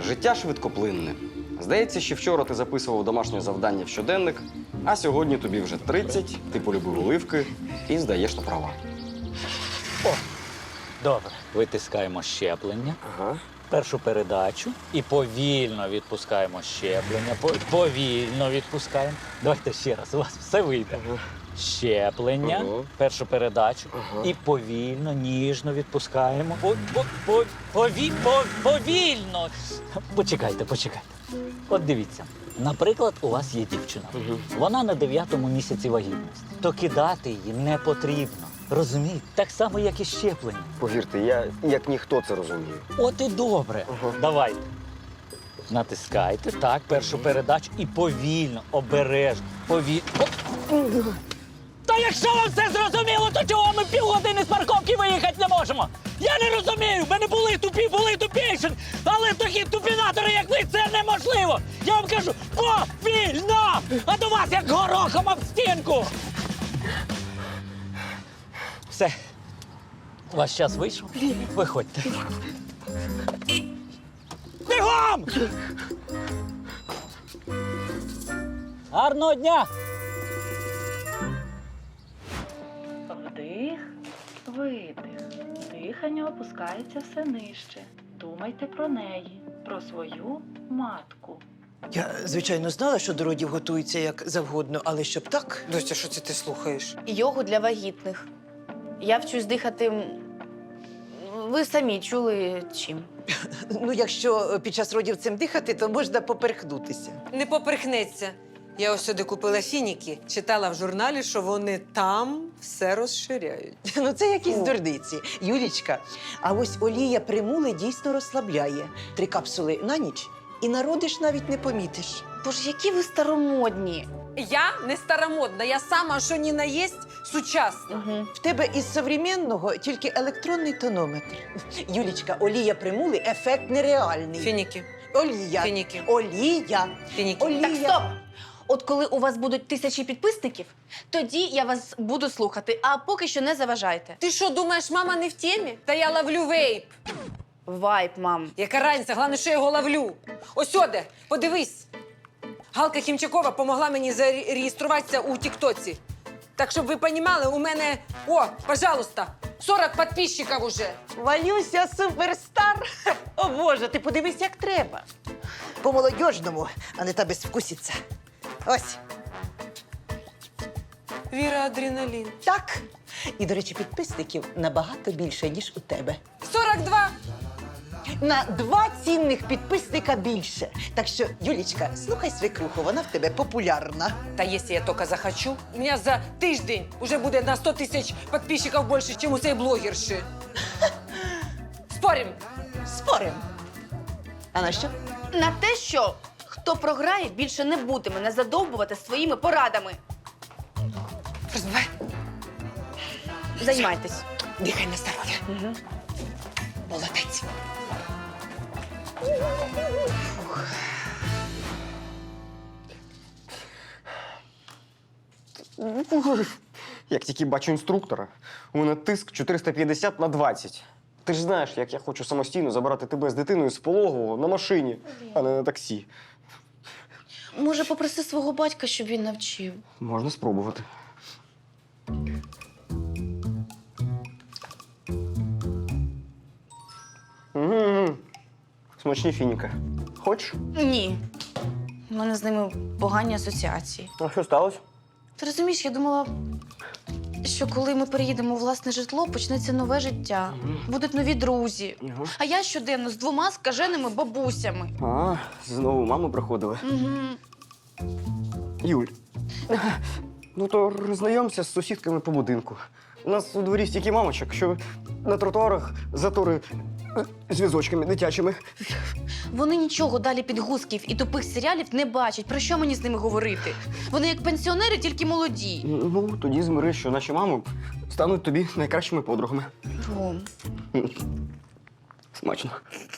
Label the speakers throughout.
Speaker 1: життя швидкоплинне. Здається, що вчора ти записував домашнє завдання в щоденник, а сьогодні тобі вже 30, ти полюбив оливки і здаєш на права.
Speaker 2: Добре. Витискаємо щеплення,
Speaker 1: Ага.
Speaker 2: першу передачу і повільно відпускаємо щеплення. Повільно відпускаємо. Давайте ще раз, у вас все вийде. Щеплення,
Speaker 1: Ага.
Speaker 2: першу передачу і повільно, ніжно відпускаємо. Повільно. Почекайте. От дивіться. Наприклад, у вас є дівчина. Вона на 9-му місяці вагітності. То кидати її не потрібно. Розумієте? Так само, як і щеплення.
Speaker 1: Повірте, я як ніхто це розумію.
Speaker 2: От і добре. Давайте. Натискайте, так, першу передачу і повільно, обережно, Та якщо вам все зрозуміло, то чого ми півгодини з парковки виїхати не можемо? Я не розумію, в мене були тупіші, але такі тупінатори, як ви, це неможливо. Я вам кажу, повільно, а до вас як горохом об стінку. Все. Ваш час вийшов? Виходьте. Бігом! Гарного дня!
Speaker 3: Вдих, видих. Дихання опускається все нижче. Думайте про неї, про свою матку.
Speaker 4: Я, звичайно, знала, що до родів готуються як завгодно, але щоб так.
Speaker 5: Доця, що це ти слухаєш?
Speaker 6: Йогу для вагітних. Я вчусь дихати. Ви самі чули чим?
Speaker 4: Ну, якщо під час родів цим дихати, то можна поперхнутися.
Speaker 5: Не поперхнеться. Я ось сюди купила фініки, читала в журналі, що вони там все розширяють.
Speaker 4: Ну, це якісь дурниці. Юлічка, а ось олія примули дійсно розслабляє. 3 капсули на ніч і народиш навіть не помітиш.
Speaker 6: Боже, які ви старомодні.
Speaker 5: Я не старомодна, я сама, що ні на єсть, сучасна.
Speaker 6: Угу.
Speaker 4: В тебе із современного тільки електронний тонометр. Юлічка, олія примули – ефект нереальний.
Speaker 5: Фініки,
Speaker 4: Олія.
Speaker 5: фініки,
Speaker 4: Олія.
Speaker 5: фініки.
Speaker 4: Олія.
Speaker 6: Так, стоп! От коли у вас будуть 1000 підписників, тоді я вас буду слухати, а поки що не заважайте.
Speaker 5: Ти що, думаєш, мама не в темі? Та я ловлю вейп.
Speaker 6: Вайп, мам.
Speaker 5: Яка разниця, головне, що я його ловлю. Ось сюди, подивись. Галка Хімчакова помогла мені зареєструватися у Тіктоці. Так, щоб ви розуміли, у мене, пожалуйста, 40 підписчиків уже.
Speaker 4: Валюся, суперстар! О, Боже, ти подивись, як треба. По-молодіжному, а не та безвкусіця. Ось,
Speaker 5: Віра, адреналін.
Speaker 4: так. І, до речі, підписників набагато більше, ніж у тебе.
Speaker 5: 42.
Speaker 4: На 2 цінних підписника більше. Так що, Юлічка, слухай свекруху, вона в тебе популярна.
Speaker 5: Та якщо я тільки захочу, у мене за тиждень вже буде на 100 000 підписчиків більше, ніж у цієї блогерші. Спорим?
Speaker 4: Спорим. А на що?
Speaker 6: На те, що хто програє, більше не буде мене задовбувати своїми порадами.
Speaker 5: Розбивай.
Speaker 6: Займайтесь.
Speaker 5: Дихай на здоров'я.
Speaker 6: Угу.
Speaker 5: Молодець.
Speaker 1: Як тільки бачу інструктора, у мене тиск 450/20. Ти ж знаєш, як я хочу самостійно забрати тебе з дитиною з пологового на машині, а не на таксі.
Speaker 6: Може, попроси свого батька, щоб він навчив.
Speaker 1: Можна спробувати. Угу. Смачні фініки. Хочеш?
Speaker 6: Ні. У мене з ними погані асоціації.
Speaker 1: А що сталося?
Speaker 6: Ти розумієш, я думала, що коли ми переїдемо у власне житло, почнеться нове життя. Будуть нові друзі.
Speaker 1: Ага.
Speaker 6: А я щоденно з 2 скаженими бабусями.
Speaker 1: А, знову маму приходили.
Speaker 6: Угу.
Speaker 1: Юль, ну то роззнайомся з сусідками по будинку. У нас у дворі стільки мамочок, що на тротуарах затори з візочками дитячими.
Speaker 6: Вони нічого далі підгузків і тупих серіалів не бачать. Про що мені з ними говорити? Вони як пенсіонери, тільки молоді.
Speaker 1: Ну, тоді змири, що наші мами стануть тобі найкращими подругами.
Speaker 6: Ром.
Speaker 1: Смачно.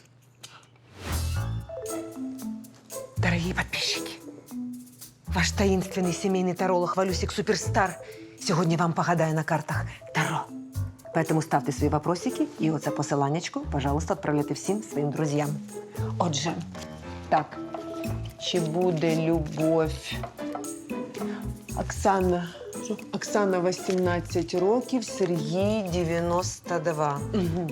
Speaker 5: Дорогие подписчики, ваш таинственный семейный таролог Валюсик Суперстар сегодня вам погадає на картах Таро.
Speaker 4: Поэтому ставте свої вопросики і оце посиланнячко, пожалуйста, відправляйте всім своїм друзям. Отже, так, чи буде любов? Оксана 18 років, Сергій 92. Угу.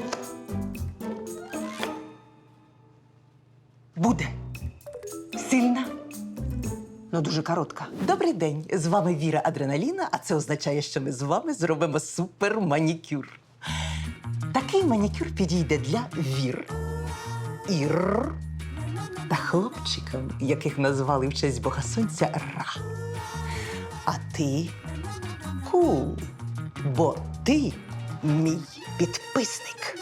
Speaker 4: Буде. Сильна, але дуже коротка. Добрий день. З вами Віра Адреналіна, а це означає, що ми з вами зробимо супер-манікюр. Такий манікюр підійде для Вір, Ір та хлопчиків, яких назвали в честь Бога Сонця Ра. А ти кул, бо ти мій підписник.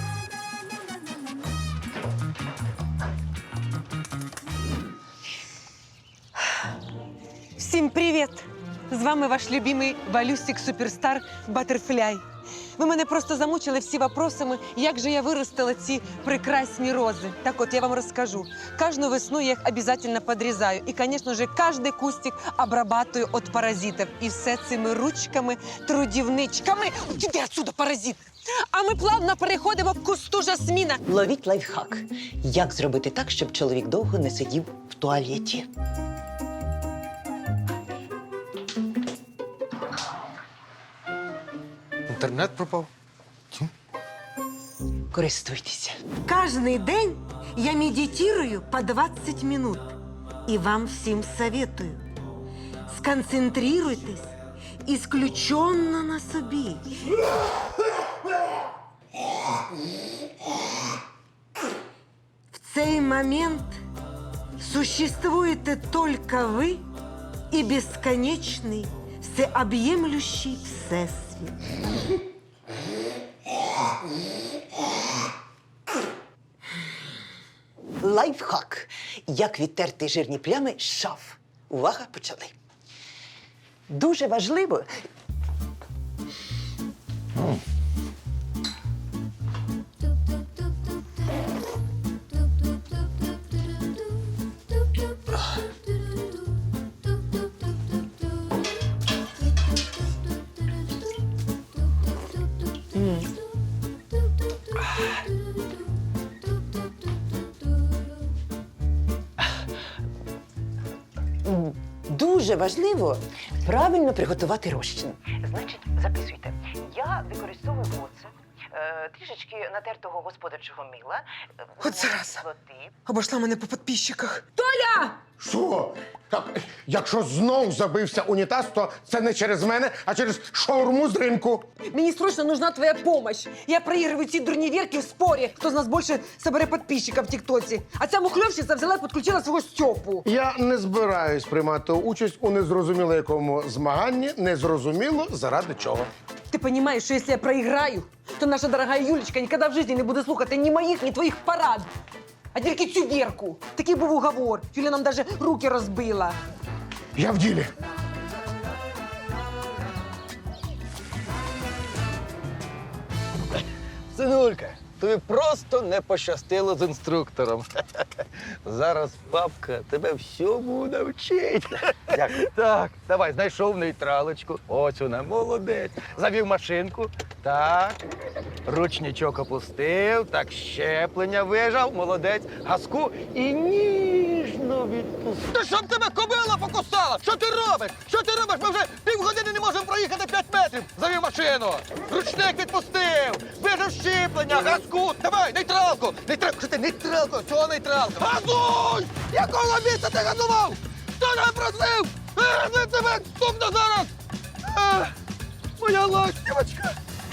Speaker 5: Всім привіт! З вами ваш любимий Валюсик Суперстар Батерфляй. Ви мене просто замучили всі вопросами, як же я виростила ці прекрасні рози. Так от, я вам розкажу. Кожну весну я їх обов'язково підрізаю. І, звісно ж, кожен кустик обрабатую від паразитів. І все цими ручками, трудівничками. Іди отсюда, паразит! А ми плавно переходимо к кусту жасміна.
Speaker 4: Ловіть лайфхак. Як зробити так, щоб чоловік довго не сидів в туалеті?
Speaker 7: Інтернет пропав.
Speaker 4: Користуйтеся.
Speaker 8: Каждый день я медитирую по 20 минут. И вам всем советую. Сконцентрируйтесь исключенно на собі. В цей момент существуете только вы и бесконечный, всеобъемлющий всесвіт.
Speaker 4: Лайфхак. Як відтерти жирні плями з шаф. Увага, почали. Дуже важливо. Дуже важливо правильно приготувати розчин. Значить, записуйте. Я використовую оцет, трішечки натертого господарчого мила,
Speaker 5: От зараз.
Speaker 4: кислоти.
Speaker 5: Обошла мене по підписчиках.
Speaker 7: Що? Так, якщо знов забився унітаз, то це не через мене, а через шаурму з ринку.
Speaker 5: Мені срочно нужна твоя помощь. Я проігрую ці дурні вірки в спорі, хто з нас більше собере підписчиків в тіктоці. А ця мухльовщиця взяла і підключила свого Стьопу.
Speaker 7: Я не збираюсь приймати участь у незрозуміло якому змаганні, незрозуміло заради чого.
Speaker 5: Ти розумієш, що якщо я проіграю, то наша дорога Юлечка ніколи в житті не буде слухати ні моїх, ні твоїх порад. А тільки цю Вірку. Такий був уговор. Юля нам навіть руки розбила.
Speaker 7: Я в ділі.
Speaker 9: Синулька, тобі просто не пощастило з інструктором. Зараз папка тебе всьому навчить. Дякую. Так, давай, знайшов нейтралочку. Ось вона, молодець. Завів машинку. Так. Ручничок опустив. Так, щеплення вижав. Молодець. Газку і ніжно відпустив. Та щоб тебе кобила покусала! Що ти робиш? Що ти робиш? Ми вже півгодини не можемо проїхати 5 метрів. Завів машину. Ручник відпустив. Вижав щеплення, газку. Давай, нейтралку. Нейтралку. Що ти, нейтралку? Чого нейтралку? Газуй! Якого місця ти газував? Хто тебе просив? Не тебе стукну зараз! Моя ластівочка!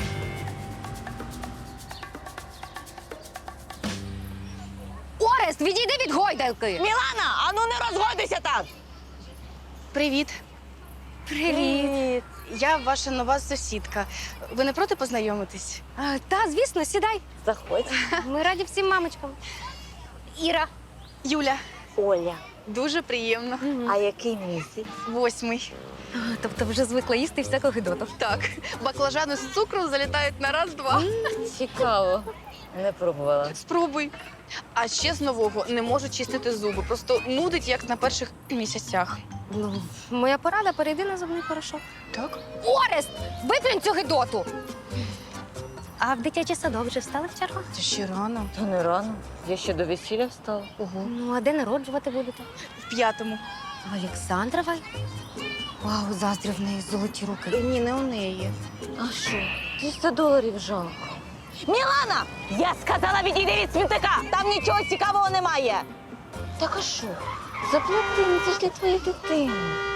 Speaker 10: Орест, відійди від гойдалки!
Speaker 4: Мілана, ану не розгодися там!
Speaker 6: Привіт. Привіт. Я ваша нова сусідка. Ви не проти познайомитись?
Speaker 10: Та, звісно, сідай. Заходь. Ми раді всім мамочкам. Іра.
Speaker 6: Юля.
Speaker 10: Оля.
Speaker 6: Дуже приємно.
Speaker 10: А який місяць?
Speaker 6: 8-й.
Speaker 10: Тобто вже звикла їсти всяку гидоту.
Speaker 6: Так, баклажани з цукром залітають на раз-два.
Speaker 10: Цікаво. Не пробувала.
Speaker 6: Спробуй. А ще з нового не можу чистити зуби. Просто нудить, як на перших місяцях.
Speaker 10: Ну, моя порада, перейди на зубний порошок.
Speaker 6: Так?
Speaker 10: Орест! Виплюнь цю гидоту! А в дитячий садок вже встали в чергу?
Speaker 6: Це ще рано.
Speaker 11: Та не рано. Я ще до весілля встала.
Speaker 10: Ну, а де народжувати будете?
Speaker 6: В 5-му.
Speaker 10: Олександровой? Вау, заздрю в неї золоті руки.
Speaker 6: Ні, не у неї.
Speaker 11: А що? $300 жалко. Мілана! Я сказала, відійди від смітника! Там нічого цікавого немає! Так а що? Заплати, ну це ж для твоєї дитини.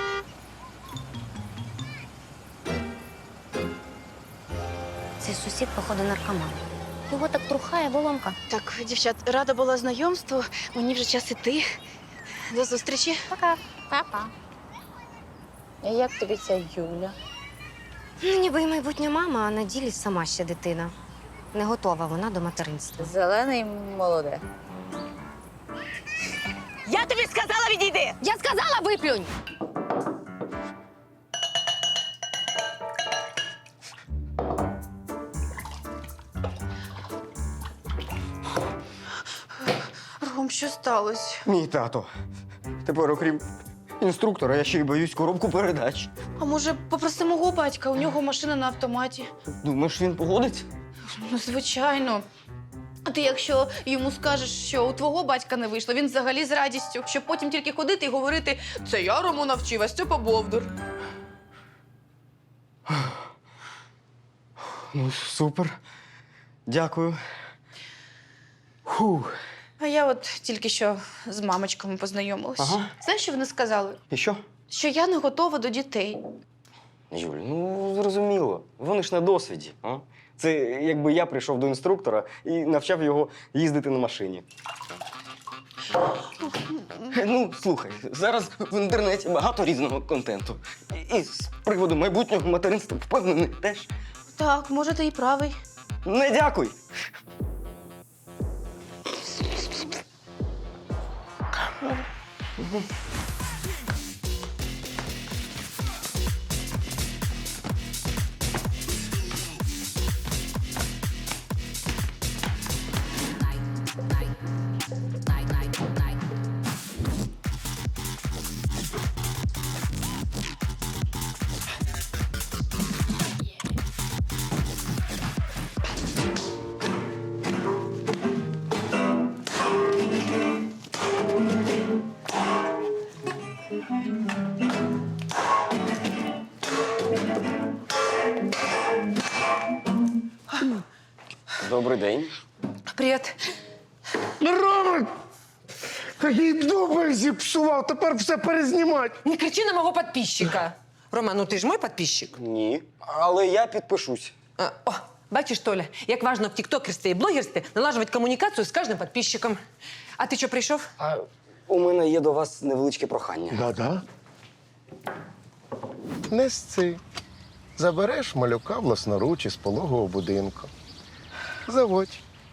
Speaker 10: Цей сусід, походу, наркоман. Його так трухає воломка.
Speaker 6: Так, дівчат, рада була знайомству. Мені вже час іти. До зустрічі.
Speaker 10: Пока. Папа.
Speaker 11: А як тобі ця Юля?
Speaker 10: Ну, ніби й майбутня мама, а на ділі сама ще дитина. Не готова вона до материнства.
Speaker 11: Зелений молоде. Я тобі сказала, відійди!
Speaker 10: Я сказала, виплюнь!
Speaker 6: Ром, що сталося?
Speaker 1: Мій тато. Тепер, окрім інструктора, я ще й боюсь коробку передач.
Speaker 6: А може, попроси мого батька, у нього машина на автоматі.
Speaker 1: Думаєш, він погодиться?
Speaker 6: Ну, звичайно. А ти якщо йому скажеш, що у твого батька не вийшло, він взагалі з радістю, щоб потім тільки ходити і говорити «це я Рому навчив, а Степа Бовдур».
Speaker 1: Ну, супер. Дякую. Фух.
Speaker 6: А я от тільки що з мамочками познайомилась.
Speaker 1: Ага.
Speaker 6: Знаєш, що вони сказали?
Speaker 1: І що?
Speaker 6: Що я не готова до дітей.
Speaker 1: Юль, ну зрозуміло. Вони ж на досвіді. А? Це якби я прийшов до інструктора і навчав його їздити на машині. Ну, слухай, зараз в інтернеті багато різного контенту. І з приводу майбутнього материнства впевнений теж.
Speaker 6: Так, може, ти і правий.
Speaker 1: Не дякуй. Добрий день.
Speaker 5: Привіт.
Speaker 7: Роман! Такий дубль зіпсував, тепер все перезнімати.
Speaker 5: Не кричи на мого підписчика. Рома, ну ти ж мій підписчик.
Speaker 1: Ні. Але я підпишусь.
Speaker 5: О, бачиш, Толя, як важно в тіктокерстві і блогерстві налажувати комунікацію з кожним підписчиком. А ти що, прийшов?
Speaker 1: А у мене є до вас невеличке прохання.
Speaker 7: Да-да. Несці. Забереш малюка власноруч із пологового будинку. Заводь.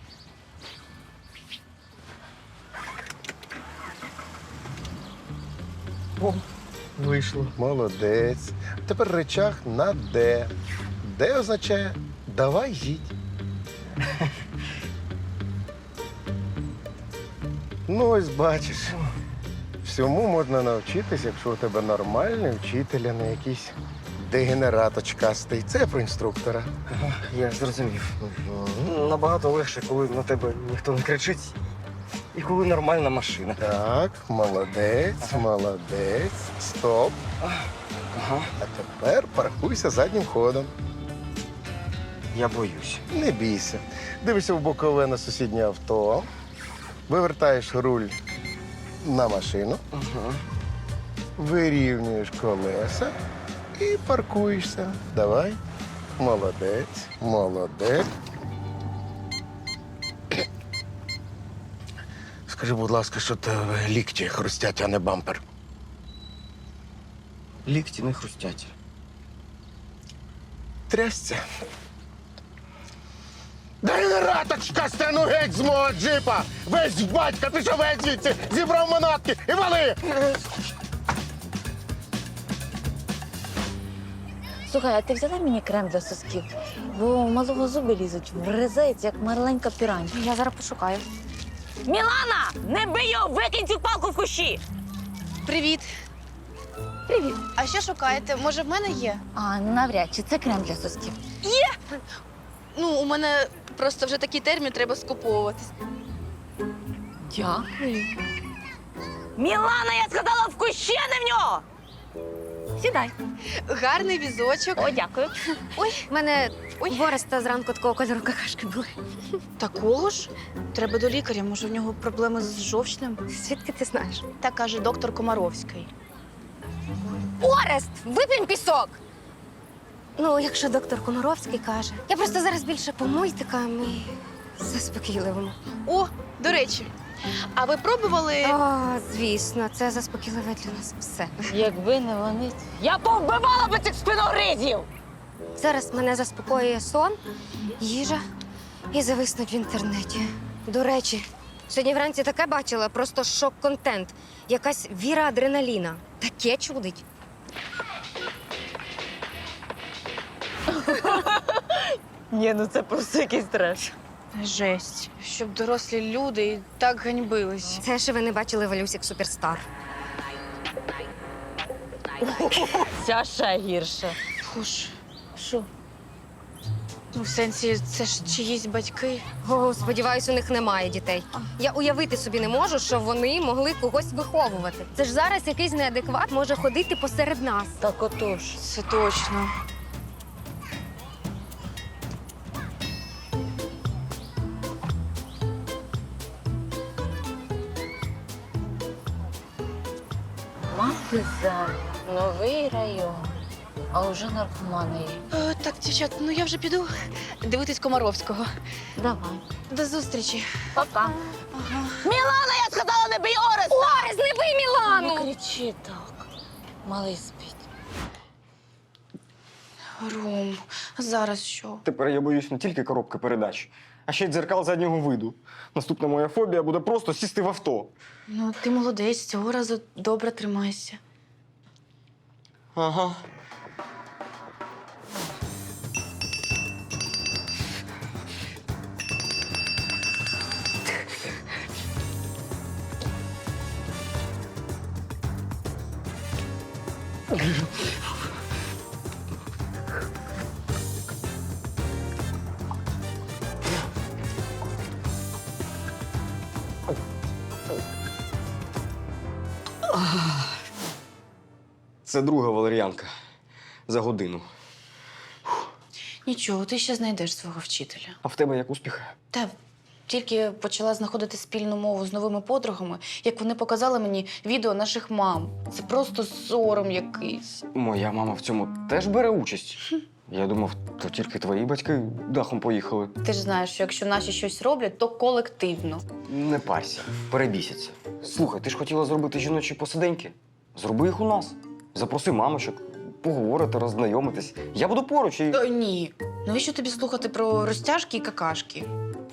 Speaker 1: О, вийшло.
Speaker 7: Молодець. Тепер речах на «Д». «Д» означає «давай їдь». Ну, ось бачиш. Всьому можна навчитись, якщо у тебе нормальний вчитель, а не якийсь дегенерат очкастий. Це про інструктора.
Speaker 1: Я зрозумів. Набагато легше, коли на тебе ніхто не кричить, і коли нормальна машина.
Speaker 7: Так, молодець, молодець. Стоп.
Speaker 1: Ага.
Speaker 7: А тепер паркуйся заднім ходом.
Speaker 1: Я боюсь.
Speaker 7: Не бійся. Дивишся в бокове на сусіднє авто, вивертаєш руль на машину,
Speaker 1: Ага.
Speaker 7: вирівнюєш колеса і паркуєшся. Давай. Молодець, молодець. Скажи, будь ласка, що тебе лікті хрустять, а не бампер.
Speaker 1: Лікті не хрустять.
Speaker 7: Трясся. Дегенераточка, стену геть з мого джипа! Весь в батька, ти що весь звідси? Зібрав манатки і вали!
Speaker 11: Слухай, а ти взяла мені крем для сосків? Бо у малого зуби лізуть, вризається, як маленька пірань.
Speaker 10: Я зараз пошукаю.
Speaker 11: Мілана! Не бий його! Викинь цю палку в кущі!
Speaker 6: Привіт.
Speaker 11: Привіт.
Speaker 6: А що шукаєте? Може, в мене є?
Speaker 11: А, навряд чи це крем для сосків.
Speaker 6: Ну, у мене просто вже такий термін, треба скуповуватись.
Speaker 11: Дякую. Мілана, я сказала, в кущі, а не в нього! Сідай.
Speaker 6: Гарний візочок.
Speaker 11: О, дякую.
Speaker 10: В мене Ореста зранку такого кольору какашки були.
Speaker 6: Такого ж? Треба до лікаря, може, в нього проблеми з жовчним.
Speaker 10: Звідки ти знаєш?
Speaker 6: Так каже доктор Комаровський.
Speaker 10: Орест, вип'єм пісок! Ну, якщо доктор Комаровський каже. Я просто зараз більше по мультикам і заспокійливому.
Speaker 6: О, до речі, а ви пробували?
Speaker 10: О, звісно, це заспокійливе для нас все.
Speaker 11: Якби не вони, я повбивала би цих спиногризів!
Speaker 10: Зараз мене заспокоює сон, їжа і зависнуть в інтернеті. До речі, сьогодні вранці таке бачила, просто шок-контент. Якась Віра Адреналіна. Таке чудить.
Speaker 11: Ні, ну це просто якийсь треш.
Speaker 6: Жесть, щоб дорослі люди і так ганьбились.
Speaker 10: Це ще ви не бачили Валюсік Суперстар.
Speaker 11: Ця ще гірше.
Speaker 6: Фуш,
Speaker 11: Що?
Speaker 6: ну в сенсі, це ж чиїсь батьки.
Speaker 10: О, сподіваюсь, у них немає дітей. Я уявити собі не можу, що вони могли когось виховувати. Це ж зараз якийсь неадекват може ходити посеред нас.
Speaker 11: Так отож.
Speaker 6: Це точно.
Speaker 11: Мати за новий район, а вже наркомани є.
Speaker 6: Так, дівчат, ну я вже піду дивитись Комаровського.
Speaker 11: Давай.
Speaker 6: До зустрічі.
Speaker 11: Пока. Мілана, я сказала, не бий Ореста!
Speaker 10: Орес, не бий Мілану!
Speaker 11: Не кричи так. Малий спить.
Speaker 6: Ром, зараз що?
Speaker 1: Тепер я боюсь не тільки коробки передач, а ще й дзеркал заднього виду. Наступна моя фобія буде просто сісти в авто.
Speaker 6: Ну, ти молодець, цього разу добре тримайся.
Speaker 1: Ага. Це друга валер'янка за годину.
Speaker 6: Нічого, ти ще знайдеш свого вчителя.
Speaker 1: А в тебе як успіх?
Speaker 6: Та тільки почала знаходити спільну мову з новими подругами, як вони показали мені відео наших мам. Це просто сором якийсь.
Speaker 1: Моя мама в цьому теж бере участь. Я думав, то тільки твої батьки дахом поїхали.
Speaker 6: Ти ж знаєш, що якщо наші щось роблять, то колективно.
Speaker 1: Не парся, перебісяться. Слухай, ти ж хотіла зробити жіночі посиденьки? Зроби їх у нас. Запроси мамочок, поговорити, роззнайомитись. Я буду поруч і.
Speaker 6: Ні. Навіщо тобі слухати про розтяжки і какашки?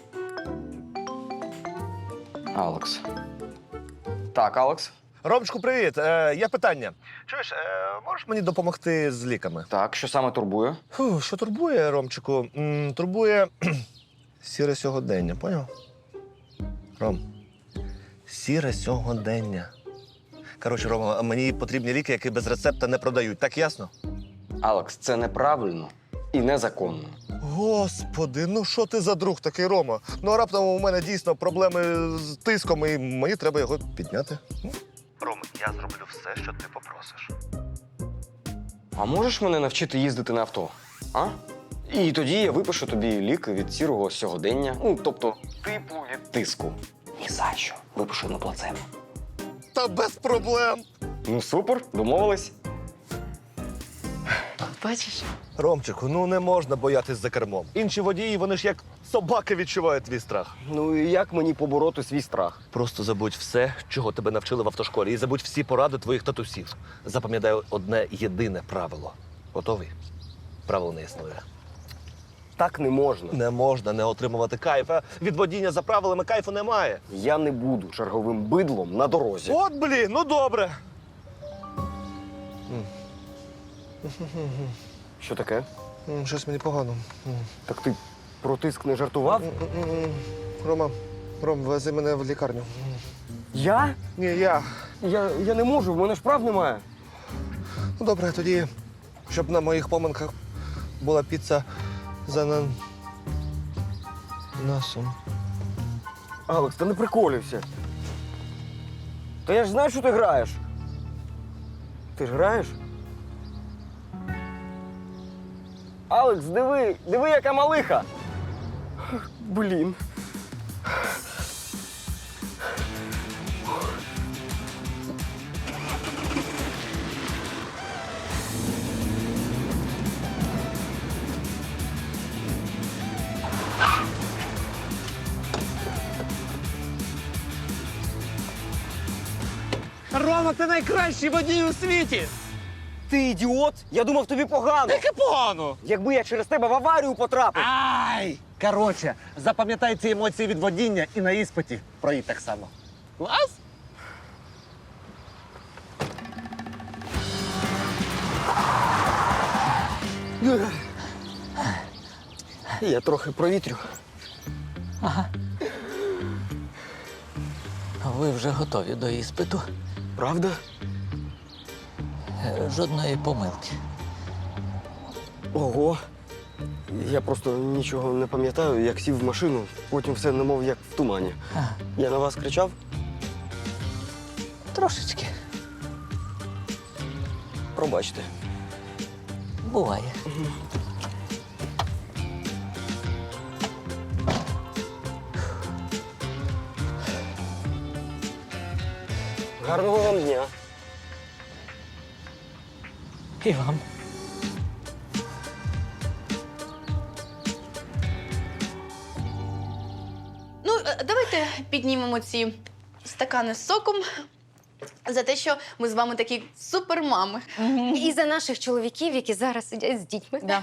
Speaker 1: Алекс. Так, Алекс.
Speaker 12: Ромчику, привіт. Є питання. Чуєш, можеш мені допомогти з ліками?
Speaker 1: Так, що саме турбує?
Speaker 12: Що турбує, Ромчику? Турбує сіре сьогодення, поняв? Ром, сіре сьогодення. Коротше, Рома, мені потрібні ліки, які без рецепта не продають. Так ясно?
Speaker 1: Алекс, це неправильно і незаконно.
Speaker 12: Господи, ну що ти за друг такий, Рома? Ну, а раптом у мене дійсно проблеми з тиском, і мені треба його підняти. Рома, я зроблю все, що ти попросиш.
Speaker 1: А можеш мене навчити їздити на авто? А? І тоді я випишу тобі ліки від сірого сьогодення. Ну, тобто, типу від тиску. Ні за що. Випишу на плацебо.
Speaker 12: Та без проблем.
Speaker 1: Ну, супер, домовились.
Speaker 6: Бачиш?
Speaker 12: Ромчику, ну не можна боятись за кермом. Інші водії, вони ж як собаки відчувають твій страх.
Speaker 1: Ну і як мені побороти свій страх?
Speaker 12: Просто забудь все, чого тебе навчили в автошколі, і забудь всі поради твоїх татусів. Запам'ятай одне єдине правило. Готовий? Правило не існує.
Speaker 1: Так не можна.
Speaker 12: Не можна не отримувати кайфа. Від водіння за правилами кайфу немає.
Speaker 1: Я не буду черговим бидлом на дорозі.
Speaker 12: От, блін, ну добре.
Speaker 1: Що таке?
Speaker 12: Щось мені погано.
Speaker 1: Так ти про тиск не жартував?
Speaker 12: Ром, вези мене в лікарню.
Speaker 1: Я?
Speaker 12: Ні, я.
Speaker 1: Я не можу, в мене ж прав немає.
Speaker 12: Ну добре, тоді, щоб на моїх поминках була піца за Носом.
Speaker 1: Алекс, та не приколюйся. Та я ж знаю, що ти граєш. Ти ж граєш? Алекс, диви, яка малиха. Блін.
Speaker 2: Рома, ти найкращий водій у світі!
Speaker 1: Ти ідіот? Я думав, тобі погано.
Speaker 2: Яке погано!
Speaker 1: Якби я через тебе в аварію потрапив.
Speaker 2: Ай!
Speaker 12: Коротше, запам'ятай ці емоції від водіння і на іспиті проїдь так само.
Speaker 2: Клас!
Speaker 1: Я трохи провітрю.
Speaker 2: Ви вже готові до іспиту.
Speaker 1: Правда?
Speaker 2: Жодної помилки.
Speaker 1: Ого. Я просто нічого не пам'ятаю, як сів в машину, потім все немов як в тумані. Я на вас кричав?
Speaker 2: Трошечки.
Speaker 1: Пробачте.
Speaker 2: Буває.
Speaker 1: Гарного вам дня.
Speaker 2: І вам.
Speaker 6: Ну, давайте піднімемо ці стакани з соком за те, що ми з вами такі супермами.
Speaker 10: І за наших чоловіків, які зараз сидять з дітьми.
Speaker 11: Да.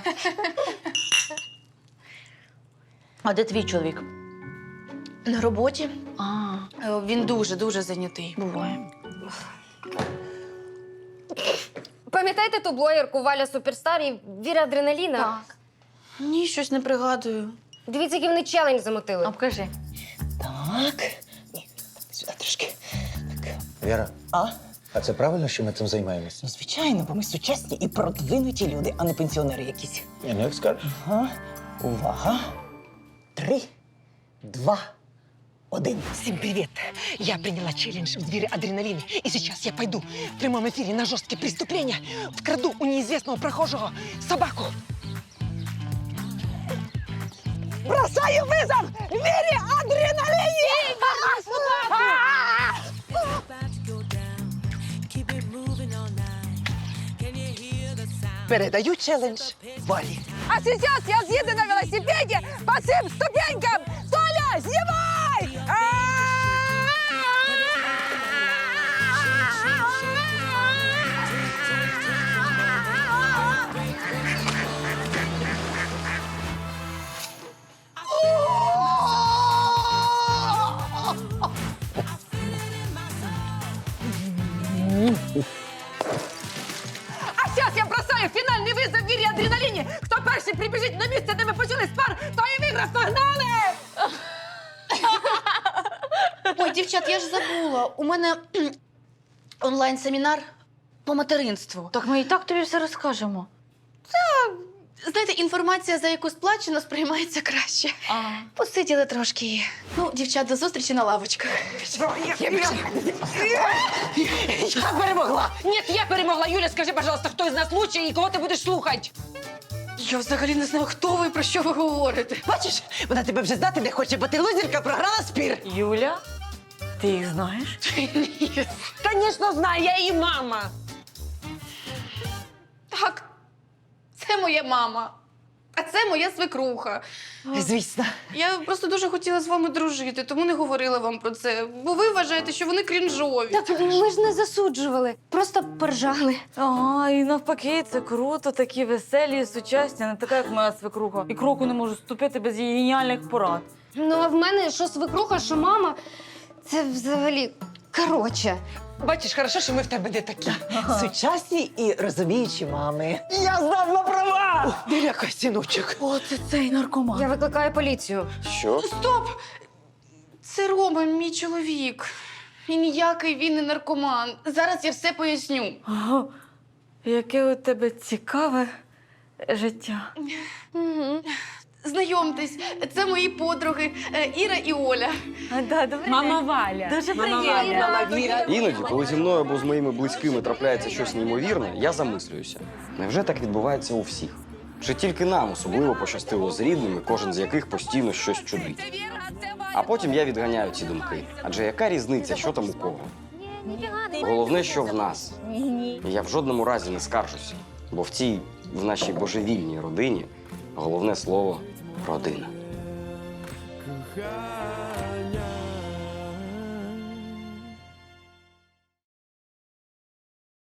Speaker 11: А де твій чоловік?
Speaker 6: На роботі.
Speaker 11: А,
Speaker 6: Він дуже зайнятий.
Speaker 11: буває.
Speaker 10: Пам'ятаєте ту блогерку Валя Суперстар і Віра Адреналіна?
Speaker 6: Так. Ні, щось не пригадую.
Speaker 10: Дивіться, який вони челендж замотили.
Speaker 11: А покажи.
Speaker 4: Так. Ні, сюди трошки.
Speaker 12: Віра,
Speaker 4: А?
Speaker 12: а це правильно, що ми цим займаємося?
Speaker 4: Ну, звичайно, бо ми сучасні і продвинуті люди, а не пенсіонери якісь.
Speaker 12: Я не скажу.
Speaker 4: Ага. Увага. 3, 2, 1. Всем привет! Я приняла челлендж в двери адреналина. И сейчас я пойду в прямом эфире на жесткие преступления, вкраду у неизвестного прохожего собаку. Бросаю вызов Вере Адреналине! Передаю челлендж Валі.
Speaker 5: А сейчас я съеду на велосипеде по всем ступенькам! Толя, снимай! А сейчас я бросаю фінальний визов Вірі Адреналіні. Хто перший прибіжить на місце, де ми почали спар, той і виграв. Погнали!
Speaker 6: Ой, дівчат, я ж забула. У мене онлайн-семінар по материнству.
Speaker 11: Так ми і так тобі все розкажемо.
Speaker 6: Знаєте, інформація, за яку сплачено, сприймається краще. Посиділи трошки. Ну, дівчат, до зустрічі на лавочках.
Speaker 5: Я перемогла! Ні, я перемогла! Юля, скажи, пожалуйста, хто із нас лучший і кого ти будеш слухати?
Speaker 6: Я взагалі не знаю, хто ви і про що ви говорите.
Speaker 4: Бачиш, вона тебе вже знати не хоче, бо ти лузерка програла спір.
Speaker 11: Юля, ти їх знаєш?
Speaker 5: Звісно, знаю, я її мама.
Speaker 6: Так, це моя мама. А це моя свекруха.
Speaker 4: Звісно.
Speaker 6: Я просто дуже хотіла з вами дружити, тому не говорила вам про це. Бо ви вважаєте, що вони крінжові.
Speaker 10: Так ми ж не засуджували, просто поржали.
Speaker 11: Ага, і навпаки, це круто, такі веселі і сучасні, не така, як моя свекруха. І кроку не можу ступити без її геніальних порад.
Speaker 10: Ну, а в мене що свекруха, що мама, це взагалі коротше.
Speaker 4: Бачиш, хорошо, що ми в тебе не такі. Сучасні і розуміючі мами.
Speaker 1: Я здав на права!
Speaker 4: Не лякай, синочок.
Speaker 11: О, це цей наркоман.
Speaker 10: Я викликаю поліцію.
Speaker 1: Що?
Speaker 6: Стоп! Це Рома, мій чоловік. І ніякий він не наркоман. Зараз я все поясню.
Speaker 11: Ага. Яке у тебе цікаве життя.
Speaker 10: Угу.
Speaker 6: Знайомтесь, це мої подруги Іра і Оля.
Speaker 5: Мама Валя.
Speaker 11: Дуже
Speaker 5: Мама
Speaker 11: приємно.
Speaker 5: Валя. Віра.
Speaker 1: Іноді, коли зі мною або з моїми близькими трапляється щось неймовірне, я замислююся. Невже так відбувається у всіх? Чи тільки нам особливо пощастило з рідними, кожен з яких постійно щось чудить? А потім я відганяю ці думки. Адже яка різниця, що там у кого? Головне, що в нас. І я в жодному разі не скаржуся, бо в нашій божевільній родині головне слово – родина.